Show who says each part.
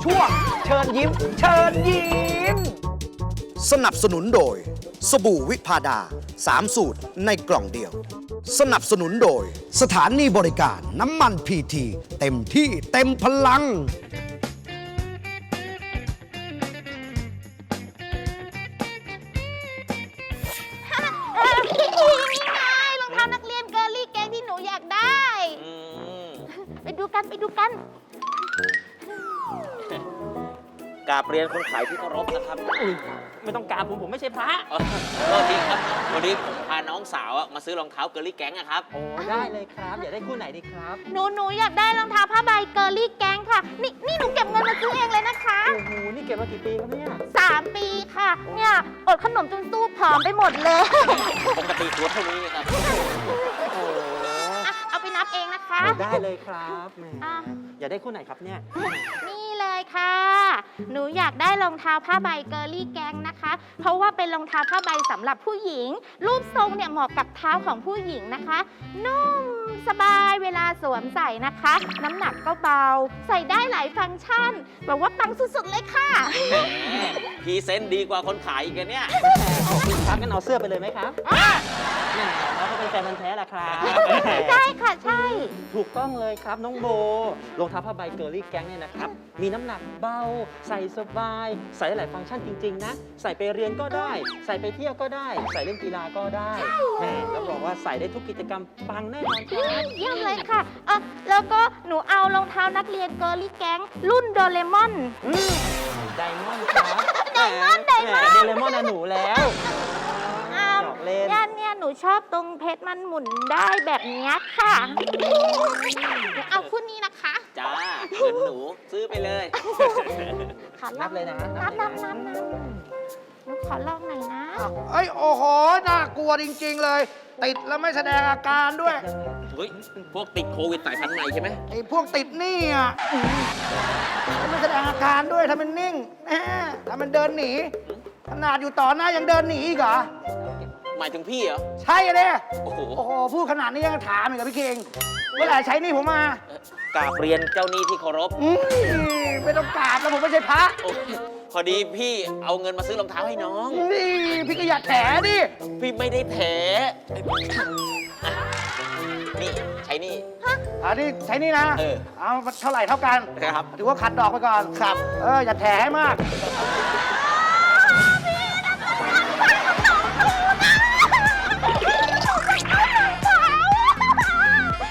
Speaker 1: ช่วงเชิญยิ้ม เชิญยิ้ม
Speaker 2: สนับสนุนโดย สบู่วิพาดา 3 สูตรในกล่องเดียว สนับสนุนโดย สถานีบริการน้ำมันพีทีเต็มที่เต็มพลัง
Speaker 3: นี่ไงรองเท้านักเรียนเกอร์ลี่แกงที่หนูอยากได้ ไปดูกันไปดูกัน
Speaker 4: กราบเรียนคนขายที่เคารพนะครับ
Speaker 5: ไม่ต้องการผมไม่ใช่พระ
Speaker 4: โทษทีครับวันนี้ผมพาน้องสาวมาซื้อรองเท้าเกอร์ลี่แก๊งอะครับ
Speaker 5: โอ้ได้เลยครับ อยากได้คู่ไหนดีครับ
Speaker 3: หนูอยากได้รองเท้าผ้าใบเกอร์ลี่แกงค่ะ นี่หนูเก็บเงินมาซื้อเองเลยนะคะ
Speaker 5: โอ้โห นี่เก็บมากี่ปีครับเนี่ย
Speaker 3: 3 ปีค่ะ เนี่ยอดขนมจนสู้ผอมไปหมดเลย
Speaker 4: ปกติตัวเท่านี้ครับ
Speaker 5: โอ้
Speaker 3: อ่ะเอาไปนับเองนะคะ
Speaker 5: ได้เลยครับแหม
Speaker 3: อ่ะ
Speaker 5: อยากได้คู่ไหนครับเนี่ย
Speaker 3: นี่เลยค่ะ หนูอยากได้รองเท้าผ้าใบเกอร์ลี่แกงนะคะ เพราะว่าเป็นรองเท้าผ้าใบสำหรับผู้หญิง รูปทรงเนี่ยเหมาะกับเท้าของผู้หญิงนะคะ นุ่มสบายเวลาสวมใส่นะคะ น้ำหนักก็เบา ใส่ได้หลายฟังก์ชันแบบว่าปังสุดๆเลยค่ะ
Speaker 4: แหมพรีเซนต์ดีกว่าคนขายอีกอะเนี่ย
Speaker 5: ขอบคุณครับงั้นเอาเสื้อไปเลยไหมครับ
Speaker 3: อ่ะ
Speaker 5: แหมเราก็เป็นแฟนพันธุ์แท้แหละครับ
Speaker 3: ใช่ค่ะใช่
Speaker 5: ถูกต้องเลยครับน้องโบ รองเท้าผ้าใบเกอร์ลี่แก๊งเนี่ยนะครับ มีน้ำหนักเบา ใส่สบาย ใส่ได้หลายฟังก์ชันจริง ๆ นะ ใส่ไปเรียนก็ได้ ใส่ไปเที่ยวก็ได้ ใส่เล่นกีฬาก็ได้แหมรับรองว่าใส่ได้ทุกกิจกรรมปังแน่นอนครับ
Speaker 3: เยี่ยมเลยค่ะแล้วก็หนูเอารองเท้านักเรียนเกอร์ลี่แก๊งรุ่นโดเรมอน
Speaker 5: ไดมอนด์ครับ
Speaker 3: ไดมอนด์ไดมอนด์
Speaker 5: โดเรมอนนะหนูแล้ว
Speaker 3: อ้าว
Speaker 5: หยอกเล่น
Speaker 3: เนี่ยหนูชอบตรงเพชรมันหมุนได้แบบเนี้ยค่ะหนูเอาคู่นี้นะคะ
Speaker 4: จ้าเงินหนูซื้อไปเลย
Speaker 3: ขอล
Speaker 5: นั
Speaker 3: อบ ง
Speaker 5: เลยนะ
Speaker 3: นับหนูขอลองหน่อยนะ
Speaker 1: เอ้ย โอ้โห น่ากลัวจริง ๆ เลย ติดแล้วไม่แสดงอาการด้วย
Speaker 4: เฮ้ย พวกติดโควิดสายพันธุ์ใหม่ใช่ไหม
Speaker 1: ไอ้พวกติดหนี่อ่ะไม่แสดงอาการด้วยทำเป็นนิ่งแหมทำเป็นเดินหนี ขนาดอยู่ต่อหน้ายังเดินหนีอีกเหรอ
Speaker 4: หมายถึงพี่เหรอ
Speaker 1: ใช่เลย
Speaker 4: โอ้โห
Speaker 1: โอ้โห พูดขนาดนี้ยังถามอีกเหรอพี่เคงเมื่อไหร่ใช้หนี่ผมมา
Speaker 4: กราบเรียนเจ้าหนี้ที่เคารพ
Speaker 1: ไม่ต้องกราบแล้วผมไม่ใช่พระ
Speaker 4: โอ้ยพอดีพี่เอาเงินมาซื้อรองเท้าให้น้อง
Speaker 1: นี่พี่ก็อย่าแถดิ
Speaker 4: พี่ไม่ได้แถอ่ะนี่ใช้นี่
Speaker 1: อันนี้ใช้นี่นะ
Speaker 4: เออ
Speaker 1: เอาเท่าไหร่เท่ากัน
Speaker 4: ครับ
Speaker 1: ถือว่าขัดดอกไปก่อน
Speaker 4: ครับ
Speaker 1: อย่าแถให้มาก